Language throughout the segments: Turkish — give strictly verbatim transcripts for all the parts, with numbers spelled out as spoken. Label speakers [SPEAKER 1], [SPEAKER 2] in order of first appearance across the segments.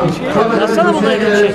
[SPEAKER 1] Yazsana bunları geçecek.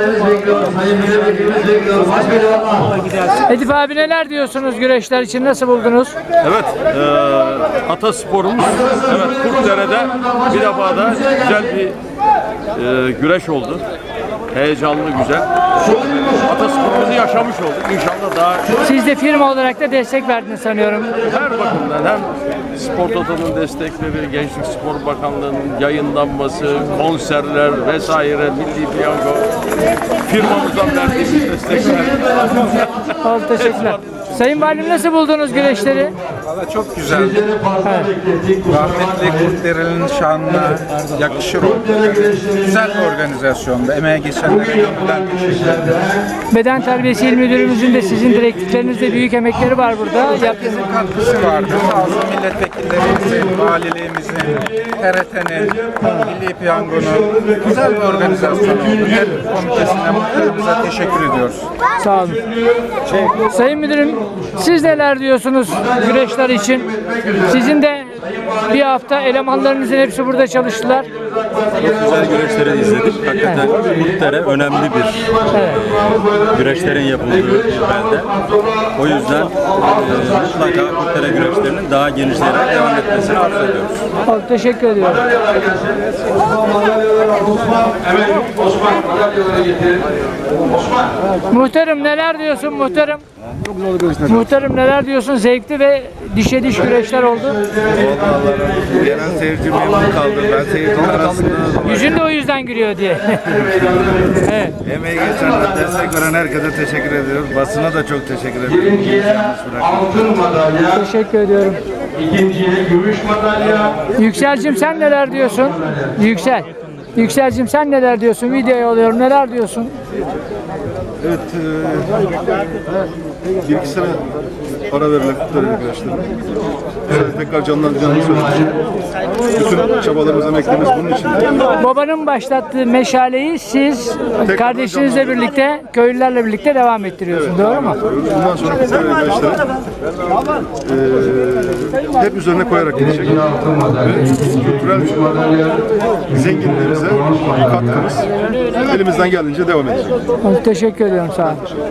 [SPEAKER 2] Edip abi neler diyorsunuz güreşler için, nasıl buldunuz?
[SPEAKER 3] Evet, e, atasporumuz evet Kurtdere'de bir defa da güzel bir e, güreş oldu. Heyecanlı, güzel. Atasporumuzu yaşamış olduk. İnşallah daha
[SPEAKER 2] Siz de firma olarak da destek verdiniz sanıyorum.
[SPEAKER 3] her bakımdan hem Spor Toto'nun destekleri, Gençlik Spor Bakanlığı'nın yayınlanması, konserler vesaire, Milli Piyango, firmamızdan verdiğimiz destekler.
[SPEAKER 2] Oldu, teşekkürler. Sayın Valim nasıl buldunuz güreşleri?
[SPEAKER 4] Valla çok güzeldi. Rahmetli Kurtdereli'nin şanına yakışır o. Güzel bir organizasyonda. Emeğe geçenlere gönülden teşekkür ederim.
[SPEAKER 2] Beden Terbiyesi İl Müdürümüzün de sizin direktiflerinizde büyük emekleri var burada.
[SPEAKER 4] Herkesin katkısı vardı. Sağ olsun milletvekillerimizin, valiliğimizin, T R T'nin, Milli Piyango'nun güzel bir organizasyon oldu. Her komitesine, muhtarımıza teşekkür ediyoruz.
[SPEAKER 2] Sağ olun. Sayın Müdürüm, siz neler diyorsunuz güreşler için? Sizin de bir hafta elemanlarınızın hepsi burada çalıştılar.
[SPEAKER 5] Çok güzel güreşleri izledik. Hakikaten Kurtdere önemli bir
[SPEAKER 2] Evet.
[SPEAKER 5] güreşlerin yapıldığı bir belde. O yüzden e, mutlaka Kurtdere güreşlerinin daha genişleyerek devam etmesini arzu ediyoruz.
[SPEAKER 2] Oldu, teşekkür ediyorum. Muhtarım neler diyorsun muhtarım?
[SPEAKER 6] Çok güzel güreşler.
[SPEAKER 2] Muhtarım neler diyorsun? Zevkli ve dişe diş güreşler oldu.
[SPEAKER 6] Gelen seyirci memnun kaldı. Ben seyircinin arasında
[SPEAKER 2] Yüzün de o yüzden gülüyor diye. Evet.
[SPEAKER 6] emeği geçenler, destek veren herkese teşekkür ediyoruz. Basına da çok teşekkür ediyorum.
[SPEAKER 7] Altın madalya,
[SPEAKER 2] Teşekkür ediyorum.
[SPEAKER 7] ikinciye gümüş madalya.
[SPEAKER 2] Yükselcim sen neler diyorsun? Yüksel. Yükselcim sen neler diyorsun? Videoya alıyorum. Neler diyorsun?
[SPEAKER 6] Evet, e, bir iki sene ara verilen Kurtdere arkadaşlar. Sonra tekrar canlandıracağını söyledik. Bütün çabalarımız, emeklerimiz bunun için.
[SPEAKER 2] Babanın başlattığı meşaleyi siz kardeşinizle birlikte, köylülerle birlikte devam ettiriyorsun. Doğru mu?
[SPEAKER 6] Bundan sonra Kurtdere arkadaşlar e, hep üzerine koyarak gidecek. Ve kültürel zenginliğimize katkımız elimizden geldiğince devam edecek.
[SPEAKER 2] Oldu, teşekkür ediyorum. Sağ olun.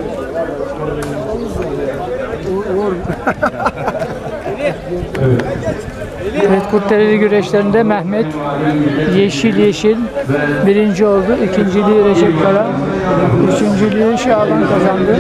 [SPEAKER 2] Evet, Kurtdereli güreşlerinde Mehmet yeşil yeşil birinci oldu. İkinciliği Recep Kara, üçüncülüğü Şaban kazandı.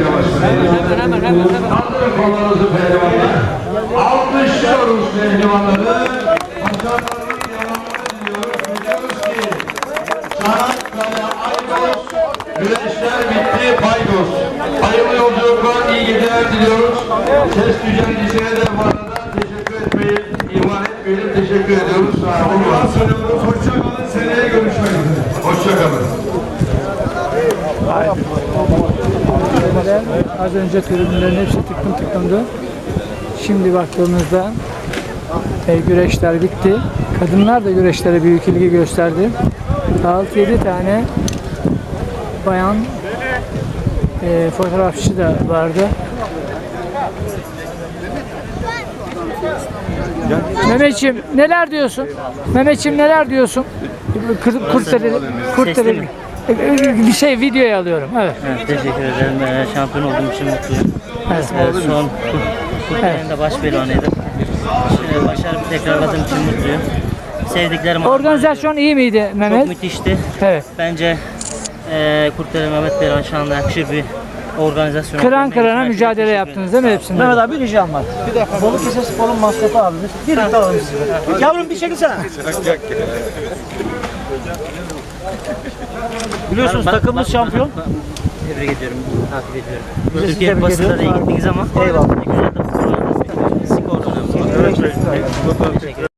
[SPEAKER 7] Alkışlıyoruz pehlivanları. Başarılarının devamını diliyoruz. Biliyoruz ki Çanakkale, Aydos, güreşler bitti, paydos. Hayırlı yolculuklar, iyi geceler diliyoruz. Ses düzenlisine de bu arada teşekkür etmeyi ihmal etmeyelim. Teşekkür ediyoruz. Sağ olun. Hoşçakalın. Seneye görüşmek üzere. Hoşçakalın.
[SPEAKER 2] Az önce tribünlerin hepsi tıklım tıklımdı. Şimdi baktığımızda e, güreşler bitti. Kadınlar da güreşlere büyük ilgi gösterdi. altı yedi tane bayan e, fotoğrafçı da vardı. Mehmetciğim neler diyorsun? Mehmetciğim neler diyorsun? Kır- Kurtdereli, Kurtdereli. Bir şey videoya alıyorum. Evet.
[SPEAKER 1] Evet, teşekkür ederim. Ee, şampiyon olduğum için mutluyum.
[SPEAKER 2] Evet.
[SPEAKER 1] Ee, son Kurtdere'nin de baş pehlivanıydım. Şimdi başarımı tekrarladığım için mutluyum. Sevdiklerim
[SPEAKER 2] Organizasyon iyi miydi
[SPEAKER 1] çok
[SPEAKER 2] Mehmet?
[SPEAKER 1] müthişti.
[SPEAKER 2] Evet.
[SPEAKER 1] Bence e, Kurtdere Mehmet Pehlivan şanına yakışır bir organizasyon.
[SPEAKER 2] Kıran kırana mücadele yaptınız değil mi hepsinde?
[SPEAKER 8] Mehmet abi bir ricam var. Balıkesir Spor'un maskotu abimiz. Birlikte alalım sizi. Yavrum bir çekilsene. Biliyorsunuz takımımız şampiyon.
[SPEAKER 1] Tebrik ediyorum, takip ediyorum.
[SPEAKER 8] Biz de
[SPEAKER 1] Türkiye
[SPEAKER 8] tebrik
[SPEAKER 1] basında da iyi
[SPEAKER 8] ediyoruz.
[SPEAKER 1] gittiniz ama
[SPEAKER 8] Eyvallah.
[SPEAKER 1] güzel de futbol oynadınız. Skor önemli.
[SPEAKER 8] Evet.